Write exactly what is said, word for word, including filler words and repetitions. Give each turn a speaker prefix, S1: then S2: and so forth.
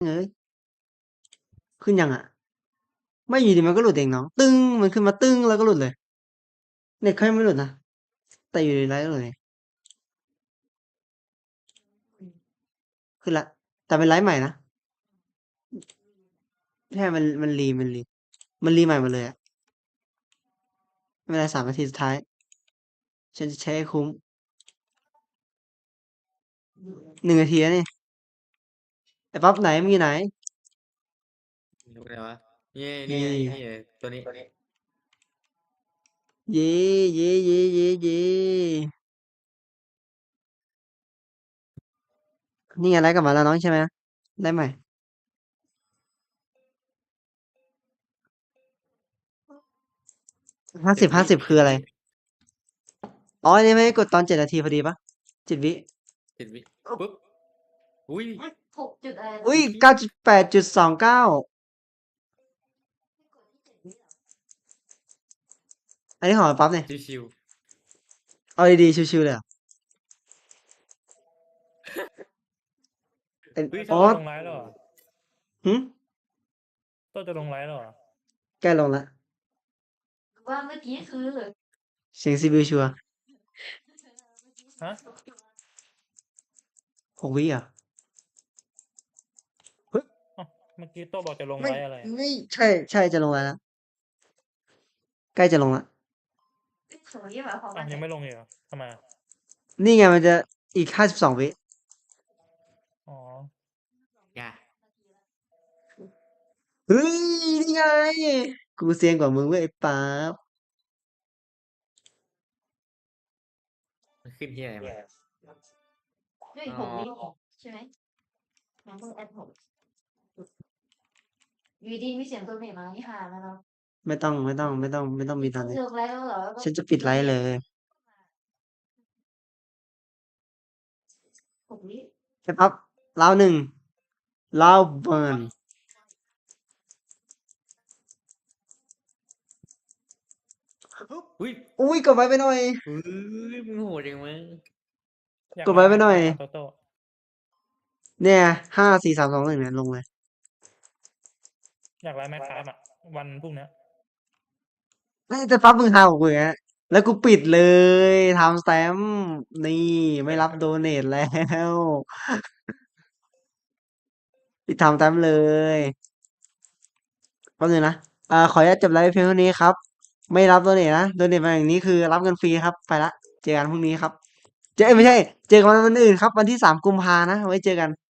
S1: เอ้ยขึ้นยังอ่ะไม่อยู่ดีมันก็หลุดเองน้องตึ้งมันขึ้นมาตึ้งแล้วก็หลุดเลยเน็ตเขายังไม่หลุดนะแต่อยู่ในไลฟ์ก็หลุดเลยขึ้นละแต่เป็นไลฟ์ใหม่นะแค่มันมันรีมันรีมันรีใหม่หมดเลยอะไม่เป็นไรสามนาทีสุดท้ายฉันจะใช้ให้คุ้มหนึ่งนาทีแล้วนี่ไอ้ปั๊บไหนมึงอยู่ไหน
S2: ดูไงวะนี่นี่
S1: นี่
S2: ไงนี่ไงตัวนี้
S1: เย่เย่เย่เย่เย่นี่ไงไลฟ์กลับมาแล้วน้องใช่ไหมได้ใหม่ห้าสิบห้าสิบคืออะไร อ๋ออันนี่ไม่ได้กดตอนเจ็ดนาทีพอดีปะเจ็ดวิ
S2: เจ็ดวิปุ๊บอุ้ย
S3: หกจุดอะไรนะ
S1: อุ้ยเก้าจุดแปดจุดสองเก้าอันนี้ของปั๊บเนี่ย
S2: ชิว
S1: เอาดีๆชิวๆเลยเหรอเอ็น
S2: ๆเฮ้ย
S1: อ๋
S2: ถ้า
S1: อ
S4: ต้นจะลงไลฟ์แล้วเหรอ
S1: หึ
S4: ต้นจะลงไลฟ์แล้วเหรอ
S1: ใกล้ลงละ
S3: ว่าเมื่อกี้คือ
S1: เสียงซีบิวชัวร์
S4: ฮะ
S1: หกวิอ่ะ
S4: อ้าวเมื่อกี้โต้บอกจะลง
S1: ไม่
S4: ไลฟ์อะไรอะ
S1: ไม่ใช่ใช่จะลงแล้วใกล้จะลงละ
S3: สวยยี่หมายความ
S4: อ้า
S3: ว่าว
S4: ยังไม่ลงอีกเหรอทำไมอะ
S1: นี่ไงมันจะอีกห้าสิบสองวิ
S4: อ๋อ
S2: อย่า
S1: เฮ้ยนี่ไงกูเซียนกว่ามึงเว้ยไอ้ปั๊บ
S2: มันขึ้นที่อะไรมา
S3: ด้วยหกวิใช่ไหมมันต้องแอดหกอยู่ดีมีเสียงตัวเมฆมานี่หาแล้วเนาะ
S1: ไม่ต้องไม่ต้องไม่ต้องไม่ต้องมีตอนนี้
S3: เลิกแล้วเหรอ
S1: ฉันจะปิดไลฟ์เลย
S3: หกวิ
S1: ไอ้ปั๊บลาวหนึ่งลาวเบิร์น
S2: อุ้ย
S1: อุ้ยกดไว้ไปหน่อย
S2: อุ้ยมึงโหดจังมั้ง
S4: อยาก
S1: กดไว้ไปหน่อย
S4: ลฟ์โตโต้
S1: เนี่ยห้าสี่สามสองหนึ่งเนี่ยลงเลย
S4: อยากไลฟ์แมคคราฟอ่ะ วันพรุ่งเนี้ย
S1: เอ้ยแต่ปั๊บมึงหาของกูอีกแล้วแล้วกูปิดเลยทำแซมนี่ไม่รับโดเนทแล้วปิดทำแซมเลยแป๊บนึงนะอ่าขออนุญาตจบไลฟ์เพียงเท่านี้ครับ ไม่รับโดเนทนะโดเนทมาอย่างนี้คือรับเงินฟรีครับไปละเจอกันพรุ่งนี้ครับ เจอเอ้ยไม่ใช่ เจอกันวันอื่นครับ วันที่สามกุมภานะไว้เจอกัน